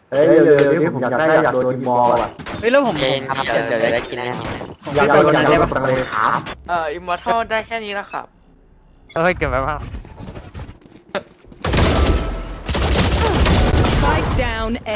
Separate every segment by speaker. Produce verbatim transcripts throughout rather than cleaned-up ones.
Speaker 1: เฮ้ยเร็วๆนี่ผมอยากได้อยากโดนยิงบอลอ่ะ
Speaker 2: เฮ้ยแล้วผม
Speaker 3: เย็นครับเดี๋ยวเดี๋ยวได้กินแน่
Speaker 1: อยากโดนอยากได้แบบเลยครับ
Speaker 4: เอ่ออิมมอร์ทัลได้แค่นี้แล้วครับ
Speaker 2: เฮ้ยเก็บไว้บ้าง
Speaker 5: Spike down A.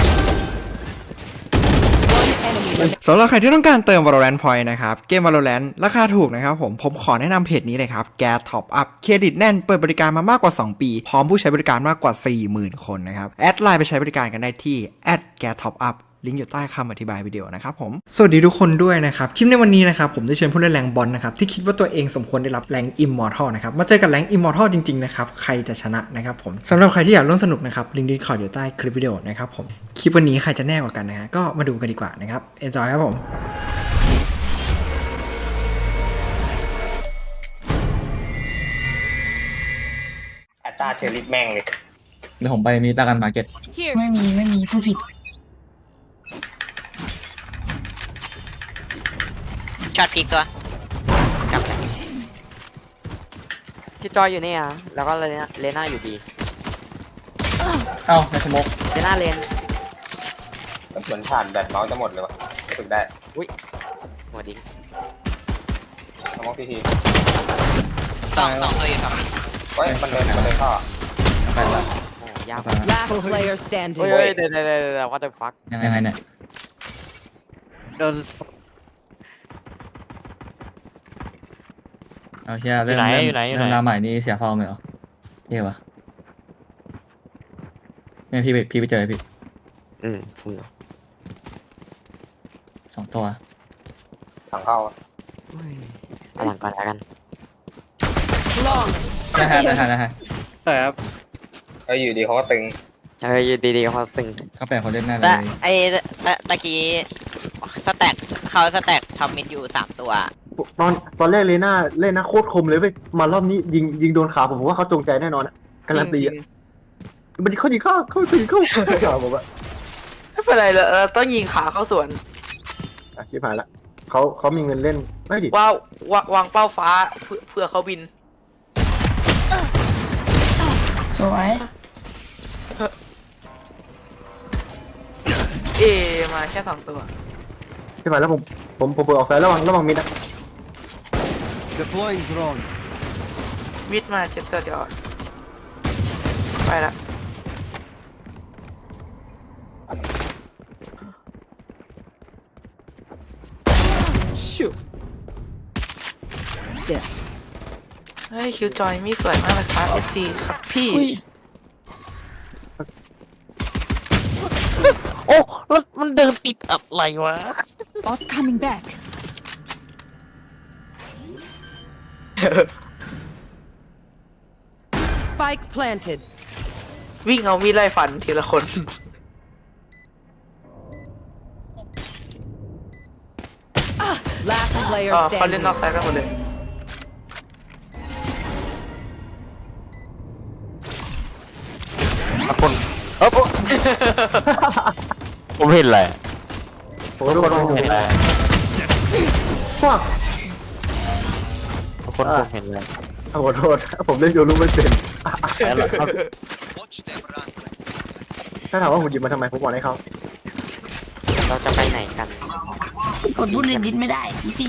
Speaker 5: One enemy.
Speaker 6: สำหรับใครที่ต้องการเติม Valorant Point นะครับ เกม Valorant ราคาถูกนะครับผม ผมขอแนะนำเพจนี้เลยครับ แก Top Up เครดิตแน่น เปิดบริการมามากกว่า สอง ปี พร้อมผู้ใช้บริการมากกว่า สี่หมื่น คนนะครับ แอดไลน์ไปใช้บริการกันได้ที่แอดแก Top Upลิงก์อยู่ใต้คำอธิบายวิดีโอนะครับผม สวัสดีทุกคนด้วยนะครับ คลิปในวันนี้นะครับผมได้เชิญผู้เล่นแรงบอลนะครับที่คิดว่าตัวเองสมควรได้รับแรงอิมมอร์ทัลนะครับมาเจอกับแรงอิมมอร์ทัลจริงๆนะครับใครจะชนะนะครับผมสำหรับใครที่อยากร่วมสนุกนะครับลิงก์ดีคอร์ดอยู่ใต้คลิปวิดีโอนะครับผมคลิปวันนี้ใครจะแน่กว่ากันนะฮะก็มาดูกันดีกว่านะครับ enjoy ครับผม
Speaker 3: อัตราเชอริฟแม่งเลย
Speaker 7: เดี๋ยวผมไปมีตากันมาร์เก็ต
Speaker 8: ไม่มีไม่มีผู้ผิด
Speaker 3: ช็อตพีกตัวจับเลยพี่จอยอยู่นี่อ่ะแล้วก็เลน่าเลน่าอยู่บี
Speaker 7: เอ้าในสโมก
Speaker 3: เลน่าเลน
Speaker 9: เหมือนผ่านแบตเมาส์จะหมดเลยวะรู้สึกได้
Speaker 3: อุ้ยหัวดิ้ง
Speaker 9: สมองทีที
Speaker 3: สองสองตัวอยู่ครับ
Speaker 9: เฮ้ยมันเดินมันเดินเข้า
Speaker 7: ไปละ
Speaker 3: โอ้ยาก
Speaker 7: ไปละ
Speaker 5: Last player
Speaker 3: เฮ้
Speaker 5: standing.
Speaker 3: ยเฮ้ยเดี๋ยวเดี๋ยวเดี๋ยว what the fuck
Speaker 7: ยังไงยังไงเนี่ย
Speaker 2: โดน
Speaker 7: เอาเชียเริ่มเริ่มเริ่มราวใหม่นี่เสียฟอร์มเลยเหรอเท่วะเนี่ยพี่ไปพี่ไปเจอพี่
Speaker 3: อืมฟู
Speaker 7: สองตัว
Speaker 9: ถังเข้า
Speaker 3: เอาหลังก่อนแล้วกัน
Speaker 5: Long.
Speaker 7: นะฮะนะฮะนะฮะ
Speaker 2: ใช่ครับ
Speaker 9: เฮ้ยอยู่ดีเขาก็ตึง
Speaker 3: เฮ้ยอยู่ดีๆเขาตึง
Speaker 7: เขาแปลคนเล่นหน้าเล
Speaker 10: แต่
Speaker 7: ย
Speaker 10: ไอ้ตะตะกี้สแต็กเขาสแต็กทอมมิดอยู่สามตัว
Speaker 1: ตอนตอนแรกเลน่าเล่นนะโคตรคมเลยเว้ยมารอบนี้ยิงยิงโดนขาผมผมว่าเขาจงใจแน่นอนอะการันตี
Speaker 4: จริ
Speaker 1: อะ
Speaker 4: ง
Speaker 1: มันเขายิงเข้าเข้ายิงเข้าขาผมอะ
Speaker 4: ๆไม่เป็นไรเลยเราต้องยิงขาเข้าสวน
Speaker 1: อ่ะชิบหายละเขาเขามีเงินเล่นไม่ดิ
Speaker 4: ว่าวางวางเป้าฟ้าเพื่อเพื่อเขาบิน
Speaker 8: สวย
Speaker 4: เอมาแค่สองตัว
Speaker 1: ชิบหายแล้วผมผมผมเปิดออกสายระวังระวังมิดอะ
Speaker 4: มิดมาเจ็ดตัวเดียวไปละ
Speaker 5: Shoot. There.
Speaker 4: เฮ้ยคิวจอยมีสวยมากเลยครับ เอฟ ซี ครับพี่
Speaker 8: อุ้ย
Speaker 3: โอ้แล้วมันเดินติดอะไรวะ
Speaker 5: Bot coming back. Spike planted.
Speaker 4: วิ่งเอามีดไล่ฟันทีละคน
Speaker 5: Last player
Speaker 4: อ๋อเขาเล่น
Speaker 5: standing.
Speaker 4: นอกไซด์กันหมดเลย
Speaker 3: ผมเห็นอะไร
Speaker 1: ผมก็โดน
Speaker 3: เห็นอะไร
Speaker 1: พวก
Speaker 3: ทุกคนผมเห็นอะไร
Speaker 1: ขอโทษผมเล่นโยรูไม่เป็นถ้าถามว่าผมหยิบมาทำไมผมบอกให้เขา
Speaker 3: เราจะไปไหนกัน
Speaker 8: กดบุลเลตดิสไม่ได้อีซี่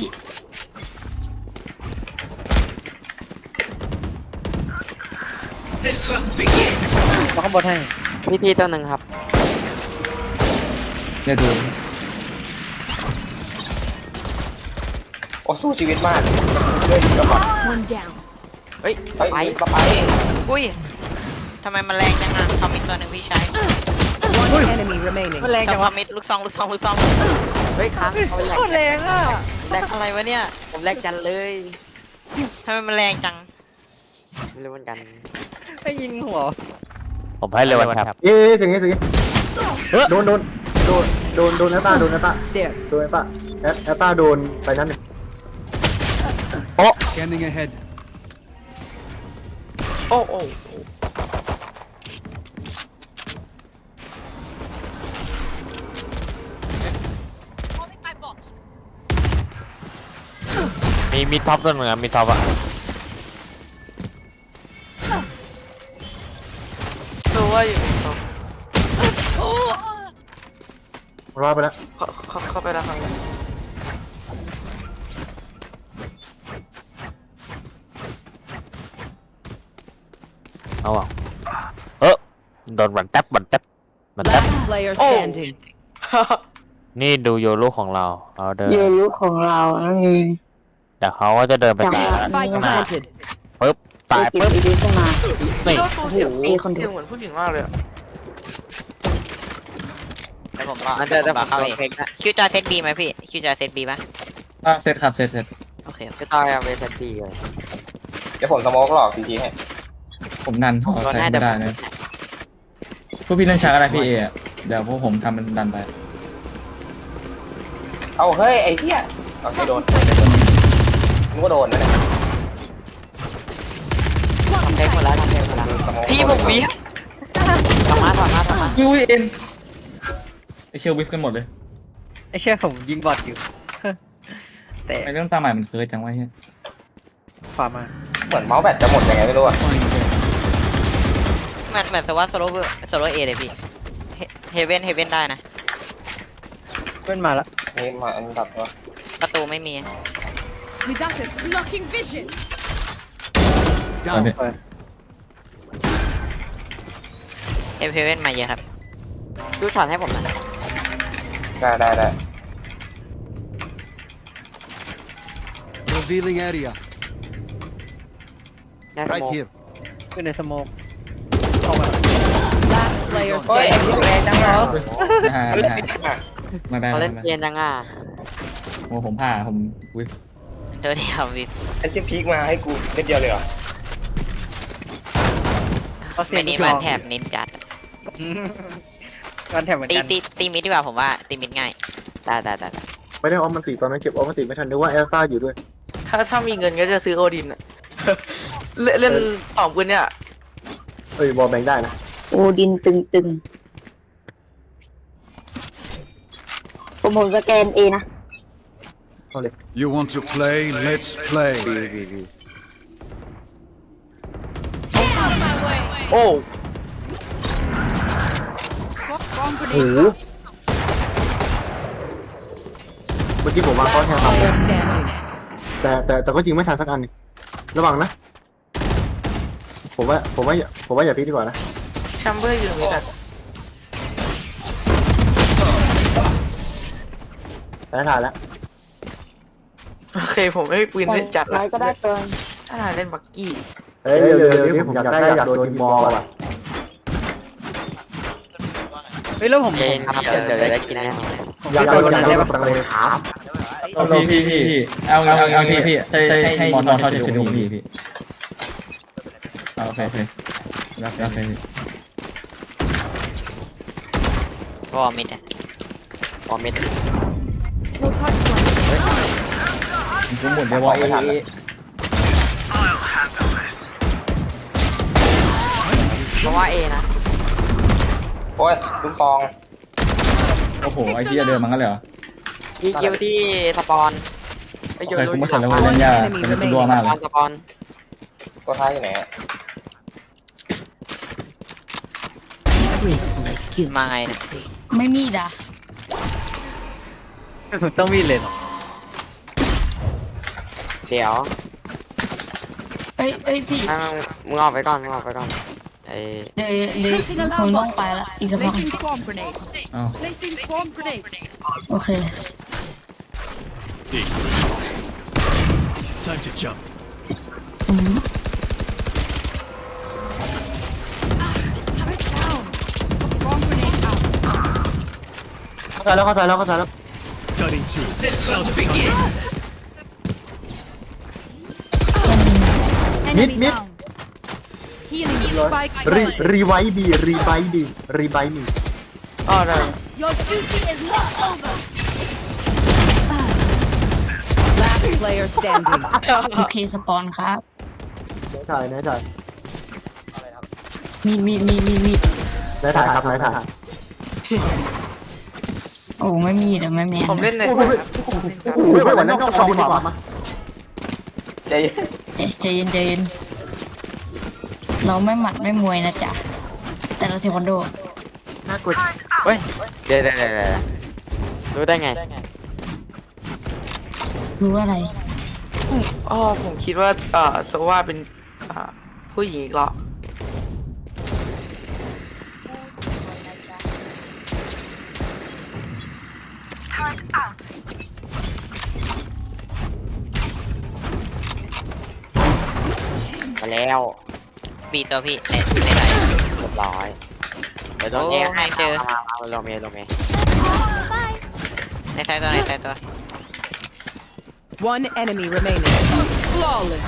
Speaker 2: มาข้างบนให้
Speaker 3: พี่ที่ตัวหนึ่งครับ
Speaker 7: เนี่ยดู
Speaker 9: โอ้สู้ชีวิตมากเลื่อนก็ก่อน
Speaker 5: One down.
Speaker 3: เฮ้ย
Speaker 9: เฮ้ย
Speaker 3: ไป
Speaker 9: ไปไป
Speaker 10: อุ้ยทำไมมันแรงจังอ่ะทอมมิดตัวหนึ่งพี่ชาย
Speaker 5: One enemy remaining.
Speaker 2: มันแรง
Speaker 10: จั
Speaker 2: จั
Speaker 10: บ
Speaker 2: ง
Speaker 10: ท
Speaker 2: วะ
Speaker 10: อมมิดลูกซองลูกซองลูกซอง
Speaker 3: เฮ้ยค้างเขาแหลก
Speaker 2: โคตรแรงอ่ะ
Speaker 10: แรงอะไรวะเนี่ย
Speaker 3: ผมแหลกจันเลย
Speaker 10: ทำไมมันแรงจัง
Speaker 3: ไม่รู้เหมือนกัน
Speaker 2: ไม่ยิงหัว
Speaker 3: ผมให้เลยวันครับ
Speaker 1: เอ๊ะเสียงนี้เสียงนี้โดนโดนโดนโดนโดนแอตตาโดนแอตตา
Speaker 5: There.
Speaker 1: โดนแอตตาแอตแอตตาโดนไปนั่นหนึ่ง
Speaker 11: Scanning ahead.
Speaker 4: โอ้โอ้
Speaker 3: มีมีท็อปตัวหนึ่งมีท็อปอ่ะ
Speaker 4: รู้ว่าอยู่ตรง
Speaker 1: รอดไปแล้ว
Speaker 4: เข้าเข้าเข้าไปแล้วครับ
Speaker 3: เอาอ่ะเออโดนบันแท็บบันแท็บบันแท็บ
Speaker 5: Last player standing.
Speaker 3: นี่ดูโยรุของเราเราเดิน
Speaker 8: เยลุของเรานั่นเอง
Speaker 3: เดี๋ยวเขาก็จะเดินไปตายแล้ว
Speaker 5: Spike planted.
Speaker 3: ปึ๊บตาย
Speaker 8: เก็บ
Speaker 3: ปึ๊บ
Speaker 8: อีดีขึ้นมา
Speaker 3: นี่
Speaker 4: โอ้โหเสียง
Speaker 8: มีคนดู
Speaker 4: เสียงเหมือนผู้หญิงมากเลยอะ
Speaker 10: แล้วผมรอ
Speaker 2: มันจะจะ
Speaker 10: ผมรอเข้าเอง
Speaker 2: เพลงนะ
Speaker 10: คิวจอเซตบีไหมพี่คิวจอเซตบีป่ะ
Speaker 7: อ่ะเซตครับเซตเซต
Speaker 10: โอเค
Speaker 2: จะตายเอาไปเซตบีเลย
Speaker 9: เดี๋ยวผมสโมกหลอกซีจีให้
Speaker 7: ผมนันขอใช้ไม่ได้นะพวกพี่เล่นช้าอะไรพี่เออะเดี๋ยวพวกผมทำเป็นดันไป
Speaker 9: เอาเฮ้ยไอ้เหี้ยเอาไม่โดนนึกว่าโดนนะเนี่ย
Speaker 2: เพลงหมดแล้วทำเพลงหมดแล้ว
Speaker 9: สโมก
Speaker 10: พี่ผมวิ
Speaker 2: ทำมาทำมาทำมา
Speaker 7: อุ้ยเอ็นไอเชียวิฟกันหมดเลย
Speaker 2: ไอ้เชี่ยผมยิงบอทอยู่ แต่
Speaker 7: ไอเรื่องตาใหม่มันเคยจังวะเฮีย
Speaker 2: ขวามา
Speaker 9: เหมือนเมาส์แบตจะหมดยังไงไม่รู้อะ
Speaker 10: เหมือนเหมือนสวัสโซโล่โซโล่เอเลยพี่เฮเว่นเฮเว่นได้นะ
Speaker 2: เพื่อนมาแล้ว
Speaker 9: นี่มาอันดับว่า
Speaker 10: ประตูไม่มี
Speaker 5: Without us blocking vision.
Speaker 7: เอาดิ
Speaker 10: เฮเว่นมาเยอะครับดูช็อตให้ผมหน่อย
Speaker 9: ได้ได้ได้
Speaker 11: Revealing area.
Speaker 10: ได้สโม
Speaker 11: Right
Speaker 10: ก
Speaker 11: here.
Speaker 2: ขึ้นในสโมกเข้ามา
Speaker 5: Last player
Speaker 10: เฮ้ย
Speaker 5: standing.
Speaker 10: แรงจังเหรอ
Speaker 7: ไม่หาไม่หาไม่ได้
Speaker 10: เขา
Speaker 7: ไม่
Speaker 10: เล่น
Speaker 7: ได้
Speaker 10: เกียนจังอ่ะ
Speaker 7: โอ้ผมผ่าผมวิฟ
Speaker 10: เดี๋ยวเดียววิบ
Speaker 9: ไอ้เชี่ยพีกมาให้กูเม็ดเดียวเลยเหรอ
Speaker 2: เขาเสี
Speaker 10: เป็
Speaker 2: ย
Speaker 10: น
Speaker 2: ง
Speaker 10: นี้
Speaker 2: ลูก
Speaker 10: มัน
Speaker 2: น้อง
Speaker 10: แถบนินจัด
Speaker 2: มันแถบเหมือน
Speaker 10: ตี
Speaker 2: กัน
Speaker 10: ตีตีมิดดีกว่าผมว่าตีมิดง่ายได้ได้ได้
Speaker 1: ไม่ได้ออมมันติตอนนั้นเก็บออมมันติไม่ทันนึกว่าเอลซ่าอยู่ด้วย
Speaker 4: ถ้าถ้ามีเงินก็จะซื้อโอดินอะ เล่นเล่นสองปืนเนี่ย
Speaker 1: เอ้ยบอลแบงได้นะ
Speaker 8: โอดินตึงตึงผมผมสแกนเอนะ
Speaker 11: You want to play? Let's play.
Speaker 4: โอ้
Speaker 1: โอ้โหเมื่อกี้ผมวางก้อนแค่สาม
Speaker 5: Player standing.
Speaker 1: แต่แต่แต่ก็จริงไม่ทันสักอันหนึ่งระวังนะ ผมว่าผมว่าอย่าผมว่าอย่าพลิกดีกว่านะ
Speaker 4: แชมเบอร์อยู่ตรงนี้แต่
Speaker 1: แต่ถ่ายแล้ว
Speaker 4: โอเคผมไม่มีปืนเล่นจัด
Speaker 8: น้
Speaker 4: ละ
Speaker 8: อยก็ได้ตัว
Speaker 4: ถ้าถ่ายเล่นบักกี้
Speaker 1: เฮ้ยเร็วเร็วนี่ผมอยากได้อยากโดนยิงบอลว่ะ
Speaker 2: เฮ้ยแล้วผม
Speaker 10: เย็นครับเดี๋ยวเดี๋ยวได้กินแน่นอน
Speaker 1: อยากโดนยิงได้แบบเลยครับ
Speaker 7: เอาพี่พี่พี่พี่เอาเอาเอาพี่พี่ใช่ใช่ให้มอนนอนเขาจะชุดพี่พี่เอาโอเคโอเครับรับไปพี่
Speaker 10: วอมิดอ่ะวอมิด
Speaker 7: ผมหมดเลยว่าเอ
Speaker 10: เพราะว่าเอนะ
Speaker 9: โอ้ยลูกซอง
Speaker 7: โอ้โหไอ้เหี้ยเดินมันกันเลยเหรอ
Speaker 10: มีคิวที่สปอน
Speaker 7: โอเคคุณมาเสร็จแล้วเล่นยากเป็นตัวมาก
Speaker 10: ส
Speaker 7: เล
Speaker 10: ปอน
Speaker 7: ย
Speaker 10: สปอน
Speaker 9: ตัวท้ายอยู่ไหนอะ
Speaker 10: มาไงเนี่ย
Speaker 8: ไม่มีด่ะ
Speaker 2: ต้องมีเลยเหรอ
Speaker 10: เดี๋ยว
Speaker 8: เอ้ยเอ้ยพี่
Speaker 10: ให้มึงมึงออกไปก่อนมึงออกไปก่อนไอ้
Speaker 8: เดี๋ยวเดี๋ยวผมต้องไปละอีกสักพัก
Speaker 5: Placing swarm grenade.
Speaker 7: เอา
Speaker 5: Placing swarm grenade.
Speaker 8: โอเค
Speaker 11: Time to jump.
Speaker 8: อืม
Speaker 5: Swarm grenade out.
Speaker 1: เข้าใจแล้วเข้าใจแล้วเข้าใจแล้ว
Speaker 11: Cutting through. Round begins.
Speaker 1: Mid, mid.
Speaker 5: Healing you. Spike
Speaker 1: รี
Speaker 5: planted.
Speaker 1: รีไวท์ดีรีไวท์ดีรีไวท์ดี
Speaker 4: อ๋อได้
Speaker 5: Your duty is not over. Last player standing.
Speaker 8: โอเคสปอนครับ
Speaker 1: ไหนถ่ายไหนถ่าย
Speaker 8: มีมีมีมีมี
Speaker 1: ไหนถ่ายครับไหนถ่าย
Speaker 8: โอ้ไม่มีเดี๋ยวไม่มี
Speaker 4: ผมเล่นใน
Speaker 1: โอ้โหไม่ไหวแล้วก็ฟองดีกว่ามา
Speaker 9: ใจเย็น
Speaker 8: เอ๊ะใจเย็นใจเย็นเราไม่หมัดไม่มวยนะจ๊ะแต่เราเทควันโด
Speaker 1: น่ากลัว
Speaker 10: เฮ้ยเดี๋ยวเดี๋ยวเดี๋ยว
Speaker 3: รู้ได้ไง
Speaker 8: รู้อะไร
Speaker 4: อ๋อผมคิดว่าเอ่อโซว่าเป็นอ่าผู้หญิงอีกเหรอ
Speaker 3: มาแล้ว
Speaker 10: บีตัวพี่ในในไหน
Speaker 3: เรียบร้อยเดี๋ยวโดนแย่งให้เจอมามาลงเมย์ลงเมย์
Speaker 10: ในไซต์ตัวในไซต์ตัว
Speaker 5: One enemy remaining. Flawless.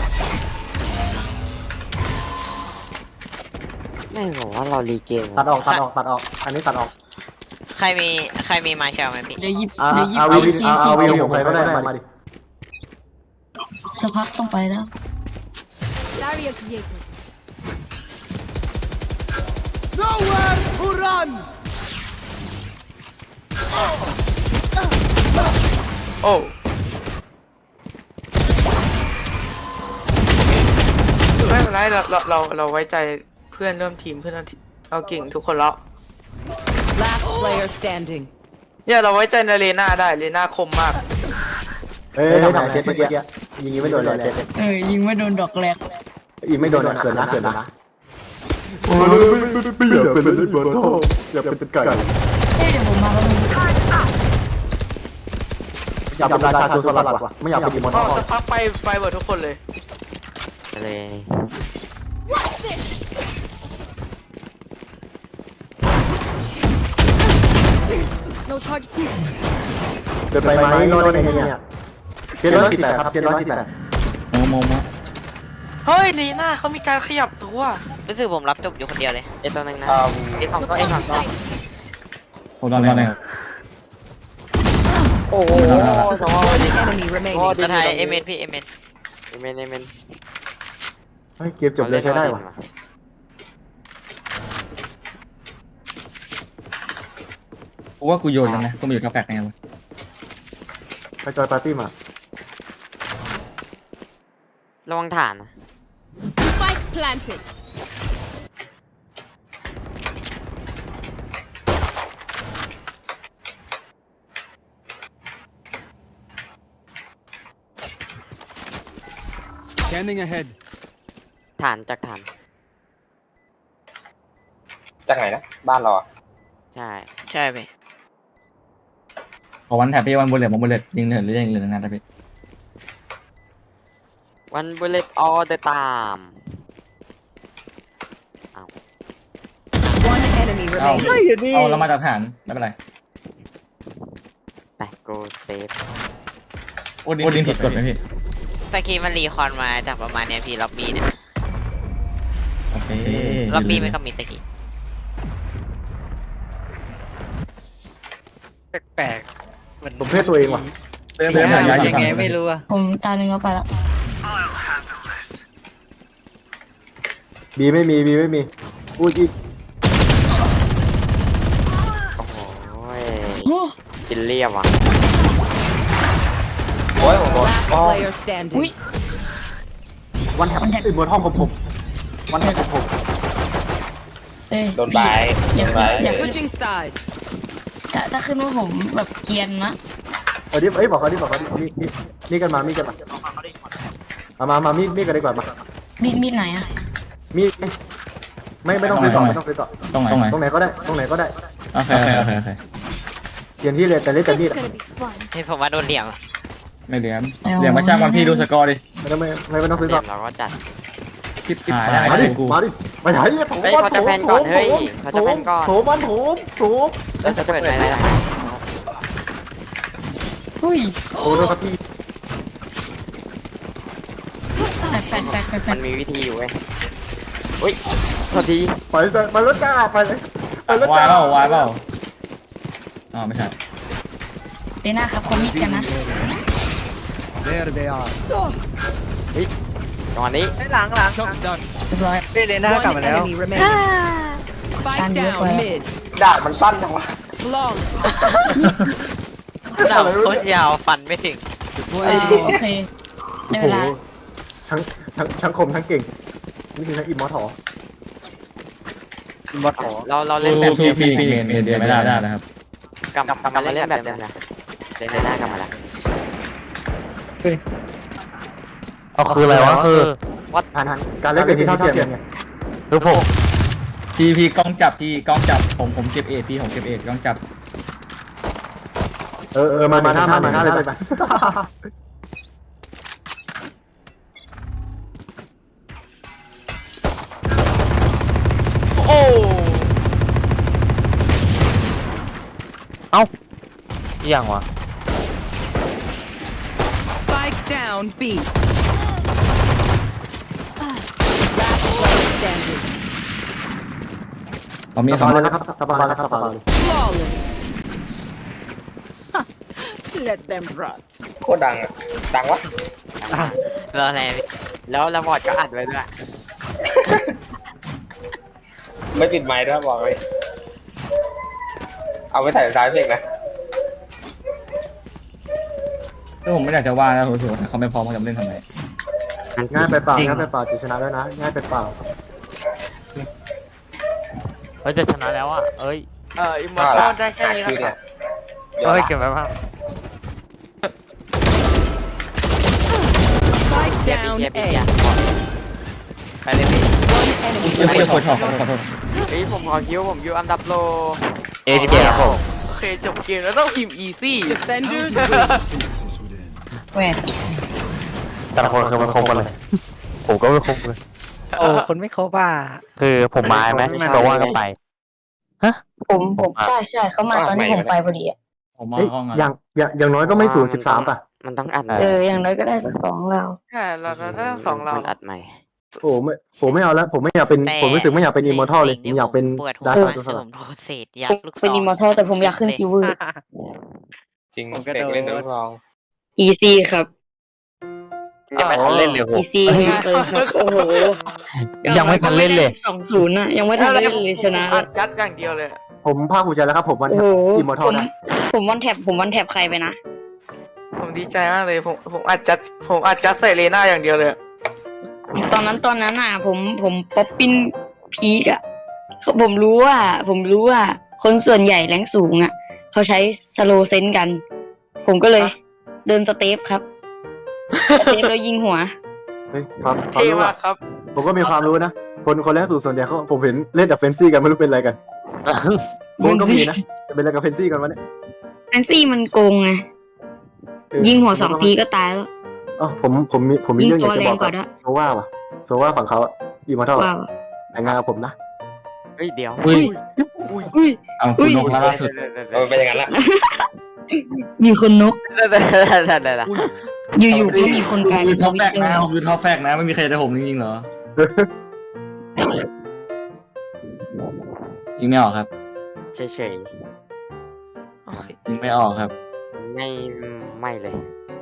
Speaker 3: ไม่บอกว่าเรารีเกม
Speaker 1: ตัดออกตัดออกตัดออกอันนี้ตัดออก
Speaker 10: ใครมีใครมีมาเชลไหมพี่
Speaker 8: เดี๋ยวหยิบ
Speaker 1: อ่า
Speaker 8: เดี๋ยวหยิบ
Speaker 1: เอา
Speaker 8: ไป
Speaker 1: วิน
Speaker 8: ซี
Speaker 1: เอา
Speaker 8: ซี
Speaker 1: เอาวินของใครก็ได้มาดิ
Speaker 8: สักพักต้องไปแล้ว
Speaker 5: Barrier created.
Speaker 4: โอ้ไม่เป็นไรเราเราเราเราไว้ใจเพื่อนร่วมทีมเพื่อนร่วมทีมเราเก่งทุกคนแล้ว
Speaker 5: Last player standing.
Speaker 4: เนี่ยเราไว้ใจในเลน่าได้เลน่าคมมาก
Speaker 1: เอ้ยทำไหนเจ็ดเมื่อกี้ยิงไม่โดนเลยเจ็ด
Speaker 8: เออยิงไม่โดนดอกแรก
Speaker 1: ยิงไม่โดนเกินนะเกินนะโอ้ยไม่อยากเป็นเลยบอลท่ออยากเป็นไก่
Speaker 8: เฮ้ยเดี๋ยวผมมาแล้วมึง
Speaker 1: อยากเป็นราชาโจรสลัดว่ะไม่อยากเป็นอีมอน
Speaker 4: อ๋
Speaker 1: ท่
Speaker 4: อ
Speaker 1: อ
Speaker 4: สักพักไปไปหมดทุกคนเลย
Speaker 3: เลย
Speaker 5: No charge.
Speaker 1: เดินไปไหมรถในเนี่ยเจ็ดร้อยสิบแปดครับเจ็ดร้อยสิบแปด
Speaker 7: โมโมโม
Speaker 4: เฮ้ยเลน่าเขามีการขยับตัว
Speaker 10: รู้สึกผมรับจบอยู่คนเดียวเลย
Speaker 3: เอตัวนึงนะ
Speaker 9: อ่า
Speaker 3: เอสองตัวเอสองตัว
Speaker 7: โอ้ตอนนี้
Speaker 3: โอ้โหสอง
Speaker 5: One enemy remaining.
Speaker 10: จะไทยเอเมนพี่เอเมน
Speaker 3: เอเมนเอเมน
Speaker 1: เฮ้ยเกมจบเลยใช้ได้ว่ะ
Speaker 7: กูว่ากูโยนแล้วนะกูมาอยู่กับแปลกไงวะ
Speaker 1: ไปจอยปาร์ตี้มา
Speaker 3: ระวังฐานนะ
Speaker 5: Spike planted.
Speaker 3: ฐานจากฐาน
Speaker 9: จากไหนนะบ้านเราอะ
Speaker 3: ใช่
Speaker 10: ใช่พี่
Speaker 7: ขอวันแถบพี่วันบุลเลตวันบุลเลตยิงเถิดหรือยิงเหลืองานแต่พี่
Speaker 3: วันบุลเลตออเดตาม
Speaker 5: One enemy
Speaker 7: เอา
Speaker 5: remaining.
Speaker 7: เอาเรามาจากฐานไม่เป็นไร
Speaker 3: ไปโกเซฟ
Speaker 7: โอ้ดินผิดกฎไหมพี่
Speaker 10: ตะกี้มันรีคอนมาจากประมาณเนี้ยพี่ล็อบบี้เนี่ย
Speaker 7: โอเค
Speaker 10: ล็อบบี้ไม่ก็มีตะกี้
Speaker 2: แปลกๆเหมือน
Speaker 1: ผมเพศตัวเองว่ะ
Speaker 2: เติมยังไงไม่รู้อะ
Speaker 8: ผมตาหนึ่งก็ไปแล้ว
Speaker 1: บีไม่มีบีไม่มีอุ้ย
Speaker 3: โอ้โห
Speaker 8: โอ้
Speaker 3: กินเรียบว่ะ
Speaker 9: โอ้ยผมโดน
Speaker 5: Last
Speaker 9: อ๋อ
Speaker 5: player
Speaker 8: อุ้ย
Speaker 5: standing.
Speaker 1: วันแถบอีมอนท่องผมผมวันแถบผมผม
Speaker 8: เอ้ย
Speaker 9: โดนไป
Speaker 8: อย่า
Speaker 9: โดนไป
Speaker 8: อย่าขึ้น
Speaker 5: Switching sides.
Speaker 8: ถ้าถ้าขึ้นว่าผมแบบเกรียนนะ
Speaker 1: เออดิเอ้ยบอกเขาดิบอกเขาดิมีมีมีกันมามีกันมามามามามีมีกันดีกว่ามา
Speaker 8: มีดมีดไหนอะ
Speaker 1: มีไม่ไม่ต้องซื้อต่อไม่ต้องซื้อต่อ
Speaker 7: ตรงไหนตรงไหน
Speaker 1: ตรงไหนก็ได้ตรงไหนก็ได้
Speaker 7: โอเคโอเคโอเคโอเค
Speaker 1: เปลี่ยนที่เลยแต่เล่นแต่มีด
Speaker 10: เฮ้ยผมว่าโดนเหลี่ยม
Speaker 7: ไม่เหลี่ยมเหลี่ยมมาจ้างวันพี่ดูสกอร์ดิ
Speaker 1: ไม่ต้องไม่ไม่ต้องซื้อ
Speaker 3: เรี
Speaker 1: ต่
Speaker 3: ย
Speaker 1: อบ
Speaker 3: เราก็จัด
Speaker 7: คลิปคลิป
Speaker 1: มา
Speaker 7: หาย
Speaker 1: ดิ
Speaker 7: กู
Speaker 1: มาดิมาไหนเนี่ยโถ
Speaker 3: เฮ้ยเขาจะแพนก่อนเฮ้ยเขาจะแพนก่อน
Speaker 1: โถมันโถมโถม
Speaker 3: แล้วจะเปิดไหนล่ะ
Speaker 8: อุ้ย
Speaker 1: โถโดนครับพี่
Speaker 8: แปลกแปลกแปลกแปลกแปล
Speaker 3: มั
Speaker 8: ก
Speaker 3: นมีวิธีอยู่เว้ยอุ้ยสวัสดี
Speaker 1: ไปเลยไปรถจ้าไปเลยไปรถ
Speaker 7: วาย
Speaker 1: จ้า
Speaker 7: เปล่าวายเปล่าอ๋อไม่ใช่
Speaker 8: เดน่าครับคนมิดกันนะ
Speaker 3: ตอนนี้
Speaker 2: หลังหลัง
Speaker 8: เรียบร้อย
Speaker 2: เล่นเลน่ากลับ
Speaker 5: One
Speaker 2: มาแล้ว
Speaker 5: enemy remaining. Spike
Speaker 8: Stand
Speaker 5: down
Speaker 8: up.
Speaker 5: mid.
Speaker 9: ดาบมันสั้นจังวะ
Speaker 5: Flawless.
Speaker 10: ดาบโคตรยาวฟันไม่ถึง
Speaker 8: อ่าโอเคได้เว
Speaker 1: โอ้โห
Speaker 8: ลา
Speaker 1: ทั้งทั้งทั้งคมทั้งเก่งนี่คือทั้งอิมมอร์ทอ
Speaker 2: บอทขอ
Speaker 3: เราเราเล่น
Speaker 7: เล่น
Speaker 3: แบบ
Speaker 7: พี่พี่เมนเมนเดียไม่ได้ได้นะครับ
Speaker 3: กลับกลับมาเล่นแบบเดิมนะ
Speaker 10: เจนได้กลับมาแล้ว
Speaker 3: เอาคืออะไรวะคือ
Speaker 1: ทันทันการเล่นเป็นที่เท่าเทียมไง
Speaker 3: คือผม
Speaker 7: พี่พี่กล้องจับพี่กล้องจับผมผมเก็บเอทพี่ผมเก็บเอทกล้องจับ
Speaker 1: เออเออมามาหน้ามาหน้าเลยไป
Speaker 4: โอ้
Speaker 3: เอ้าอหย่างวะ
Speaker 5: Spike down B. Last player standing.
Speaker 7: ผมมี
Speaker 1: ส
Speaker 7: สอง
Speaker 1: บายเลยนะครับสบายเลยครับสบายเลย
Speaker 5: Flawless. Let them rot.
Speaker 9: โคตรดังอะดังวะ
Speaker 10: รออะไรแล้วแล้วบอดก็อัดไว้ด้วย
Speaker 9: ไม่ปิดไมค์ด้วยบอกเลยเอาไปใส่ท้ายเพลงนะ
Speaker 7: ถ้าผมไม่อยากจะว่านะผมรู้สึกว่าเขาไม่พร้อมเขาจะเล่นทำไม
Speaker 1: ง่ายไปเปล่าง่ายไปเปล่าจะชนะแล้วนะง่ายไปเปล่า
Speaker 3: เฮ้ยจะชนะแล้วอ่ะเอ้ย
Speaker 4: เอออิมมอร์ทัลได้แค่นี้
Speaker 9: คือ
Speaker 4: ค
Speaker 9: เนี่
Speaker 4: รับ
Speaker 9: ย
Speaker 3: เอ้ยเก็บไว้บ้าง
Speaker 5: Spike down
Speaker 10: เบียร์เบีย
Speaker 5: A.
Speaker 10: ร์ไปเลยพี่
Speaker 5: One enemy
Speaker 7: เดี๋ยวเดี๋ยวขอ
Speaker 5: remaining.
Speaker 7: โทษขอโทษขอโทษ
Speaker 10: เฮ้ยผมขอคิวผมอยู่อันดับโล
Speaker 3: เอทีเครับผม
Speaker 4: โอเคจบเกมแล้วต้องพิมพ์ easy
Speaker 5: Defenders.
Speaker 11: Phoenix is within.
Speaker 8: แหวน
Speaker 3: แต่ละคนคือมันครบกันเลย ผมก็ไม่ครบเลย
Speaker 2: โอ้คนไม่ครบอ่ะ
Speaker 3: คือผมมาไหมโซว่าก็ไป
Speaker 8: ผมผมใช่ใช่เขามาตอนที่ผมไปพอดีอะ
Speaker 7: ผมมา
Speaker 1: เอ้ย
Speaker 7: ห้องอ่ะ
Speaker 1: อย่างอย่างอย่างน้อยก็ไม่ศูนย์สิบสามป่ะ
Speaker 10: มันต้องอัด
Speaker 8: เอออย่างน้อยก็ได้สักสองเรา
Speaker 4: ใช่เราเราได้สองเรา
Speaker 10: มันอัดใหม่
Speaker 1: โอ้ไม่ผมไม่เอาแล้วผมไม่อยากเป็นผมรู้สึกไม่อยากเป็นอิมมอร์ทัลเลยผมอยากเป็น
Speaker 10: ปวดหัว
Speaker 1: ดาร์
Speaker 10: มาก
Speaker 1: ค
Speaker 10: คือ
Speaker 1: ส
Speaker 10: ผ
Speaker 1: ลัด
Speaker 10: มโดนเศษยักษ์ลูกศร
Speaker 8: เป็นอิมมอร์ทัลแต่ผมอยากขึ้นซิลเวอร์
Speaker 9: จริง
Speaker 2: ผมก็
Speaker 9: เด็ก
Speaker 2: โดน
Speaker 9: เล่นตัวทอง
Speaker 8: easy ครับ
Speaker 3: ยังไม่ทันเล่นเลยผม
Speaker 8: easy เลยครับโอ้โห
Speaker 3: ยังไม่ทันเล่นเลย
Speaker 8: สองศูนย์อะยังไม่ทันเล่นเลยชนะ
Speaker 4: อัดจัดอย่างเดียวเลย
Speaker 1: ผมภาคภูมิใจแล้วครับผมวัน
Speaker 8: โอ้โห
Speaker 1: อิมมอร์ทั
Speaker 8: ผ
Speaker 1: ล
Speaker 8: ม
Speaker 1: นะ
Speaker 8: ผมวันแท็บผมวันแท็บใครไปนะ
Speaker 4: ผมดีใจมากเลยผมผมอัดจัดผมอัดจัดใส่เลน่าอย่างเดียวเลย
Speaker 8: ตอนนั้นตอนนั้นอ่ะ ผมผมป๊อปปิ้นพีกอ่ะเขาผมรู้ว่า ผมรู้ว่า คนส่วนใหญ่แรงสูงอ่ะ เขาใช้สโลเซนกัน ผมก็เลยเดินสเตปครับสเตปแล้วยิงหัว
Speaker 1: เฮ้ยความความ
Speaker 4: เท่
Speaker 1: รู้
Speaker 4: มา
Speaker 1: อะ
Speaker 4: กครับ
Speaker 1: ผมก็มีความรู้นะ คนคนแรกสู่ส่วนใหญ่เขาผมเห็นเล่นกับเฟนซี่กันไม่รู้เป็นอะไรกันผมก็มีนะจะเป็นอะไรกับเฟนซี่กันวะเนี่ย
Speaker 8: แอนซี่มันโกงไง
Speaker 1: เออ
Speaker 8: ยิงหัวสองทีก็ตายแล้ว
Speaker 1: อ๋อผมผมมีผมมี
Speaker 8: ยิง
Speaker 1: เรื่องอ
Speaker 8: ตั
Speaker 1: ยาว กจะบอก
Speaker 8: แรงกว่าด้วย
Speaker 1: โซว่าว่ะโซว่าฝั่งเขาอิมมอร์ทัล
Speaker 8: ว้าว
Speaker 1: แต่งงานกับผมนะ
Speaker 10: เฮ้ยเดี๋ยว
Speaker 7: อุ้ย
Speaker 8: อุ้ย
Speaker 7: เอาคุณนกล่าสุด
Speaker 9: เออเป็นอย่างนั้นละ
Speaker 8: มีคนนก
Speaker 10: ได้ได้ได้ได้ได้
Speaker 8: อยู่ๆก็มีคนกลาย
Speaker 7: คื
Speaker 8: เป็
Speaker 7: อน ท็อป
Speaker 8: วิ
Speaker 7: แฟ
Speaker 8: ต
Speaker 7: ก
Speaker 8: เตอ
Speaker 7: นะ
Speaker 8: ร์
Speaker 7: ผมคือท็อปแฟกนะไม่มีใครจะผมจริงๆเหรอยิงไม่ออกครับ
Speaker 10: เฉย
Speaker 4: โอเค
Speaker 7: ยิงไม่ออกครับ
Speaker 10: ๆไม่ไม่เลย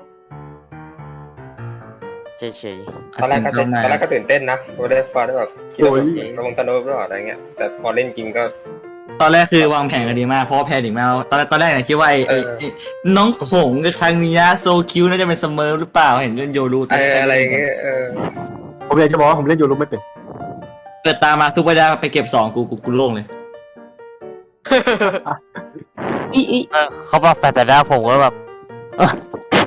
Speaker 10: เฉย
Speaker 9: ตอนแรกก็
Speaker 7: เต้น
Speaker 9: ตอนแรกก็ตื่นเต้นนะพอได้ฟาได้แบบคิดว่าแบบลงตะโนบหรือเปล่าอะไรเงี้ยแต่พอเล่นจริงก็
Speaker 7: ตอนแรกคือวางแผนกันดีมากเพราะว่าแพนิกมากตอนแรกตอนแรกเนี่ยคิดว่าไอ้ไอ้ไอ้น้องขงกับครั้งนี้โซคิวน่าจะเป็นเสมอหรือเปล่าเห็นเล่นโยรู
Speaker 9: เอออะไรเงี้ยเออ
Speaker 1: ผมอยากจะบอกว่าผมเล่นยูรูไม่เป็น
Speaker 7: เกิดตามมาซุปเปอร์ดาไปเก็บสองกูกูกูโล่งเลย
Speaker 8: อีอี
Speaker 3: เออเขาบอกแต่แต่หน้าผมก็แบบเออ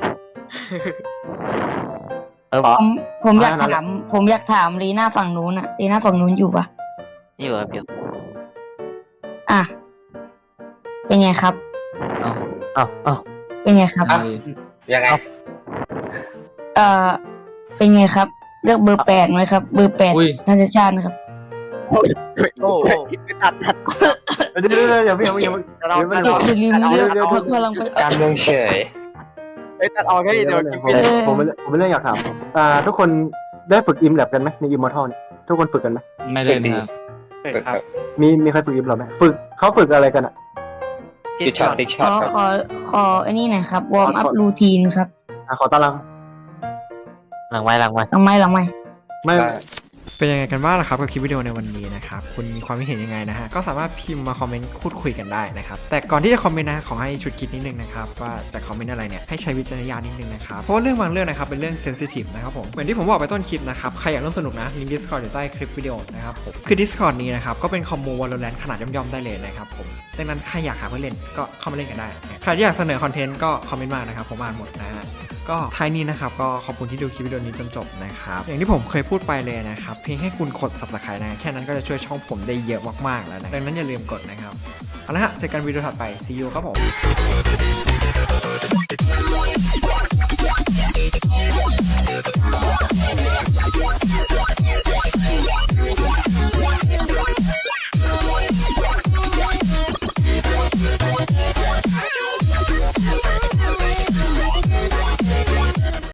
Speaker 3: เออ
Speaker 8: ผมผมอยากถามผมอยากถามลีน่าฝั่งนู้นอะลีน่าฝั่งนู้นอยู่ปะ
Speaker 10: ๆอยู่ครับอยู่
Speaker 8: อ่ะ เป็นไงครับ
Speaker 3: เอ้าเอ้า
Speaker 8: เป็นไงครับ
Speaker 9: ยังไง
Speaker 8: เอ่อ เป็นไงครับ เลือกเบอร์แปดไหมครับ เบอร์แปด
Speaker 7: อุ้ย
Speaker 8: ท่านชาชาตินะครับ
Speaker 4: โอ้โห
Speaker 10: ตัดตัด
Speaker 1: เดี๋ยวเดี๋ยวเดี๋ยวอย่าเพิ่งอย่าเพิ่งอย่าเพิ่ง
Speaker 10: เรา
Speaker 1: อย่าเพิ่ง
Speaker 8: อย่าอย่าลืมเลือก
Speaker 1: เดี๋ยว
Speaker 8: พร
Speaker 1: เดี๋ยว
Speaker 8: รคพลังประชา
Speaker 9: การเมืองเฉย
Speaker 10: เฮ้ยตัดออกให้
Speaker 1: เดี๋
Speaker 10: เดี๋
Speaker 1: ย
Speaker 10: ยว ว
Speaker 1: ผมผมผมผมเรื่องอยากถามอ่าทุกคนได้ฝึกอิมแลบกันไหมในอิมมอร์ทัลทุกคนฝึกกันไหม
Speaker 7: ไม่เล่นครับ
Speaker 2: ฝึกครับ
Speaker 1: มีมีใครฝึกอิมหรอไหมฝึกเขาฝึกอะไรกันอ่ะ
Speaker 9: ติ๊กช็อตติ๊ก
Speaker 8: ข
Speaker 9: ช็อต
Speaker 8: อ
Speaker 9: ครับ
Speaker 8: ขอขอไอ้นี่หน่อยครับวอร์มอัพรูทีนครับ
Speaker 1: อ่ะขอตาราง
Speaker 3: หลังไว้หลังไว้
Speaker 8: หลังไม้หลังไม้
Speaker 1: ไม่
Speaker 6: เป็นยังไงกันบ้างล่ะครับกับคลิปวิดีโอในวันนี้นะครับคุณมีความคิดเห็นยังไงนะฮะก็สามารถพิมพ์มาคอมเมนต์พูดคุยกันได้นะครับแต่ก่อนที่จะคอมเมนต์นะขอให้ชุดคิดนิดนึงนะครับว่าจะคอมเมนต์อะไรเนี่ยให้ใช้วิจารณญาณนิดนึงนะครับเพราะว่าเรื่องบางเรื่องนะครับเป็นเรื่องเซนซิทีฟนะครับผมเหมือนที่ผมบอกไปต้นคลิปนะครับใครอยากร่วมสนุกนะลิงก์ Discord อยู่ใต้คลิปวิดีโอนะครับผมคือ Discord นี้นะครับก็เป็นคอมมู Valorant ขนาดย่อมๆได้เลยนะครับผมในดังนั้นใครอยากหาเพื่อนเล่นก็เข้ามาเล่นกันได้ใครที่อยากเสนอคอนเทนต์ก็คอมเมนต์มานะครับผมอ่านหมดนะฮะก็ท้ายนี้นะครับก็ขอบคุณที่ดูคลิปวิดีโอนี้จนจบนะครับอย่างที่ผมเคยพูดไปเลยนะครับเพียงแค่คุณกด ซับสไครบ์ นะแค่นั้นก็จะช่วยช่องผมได้เยอะมากๆแล้วนะดังนั้นอย่าลืมกดนะครับเอาละฮะเจอกันวิดีโอถัดไป see you ครับผม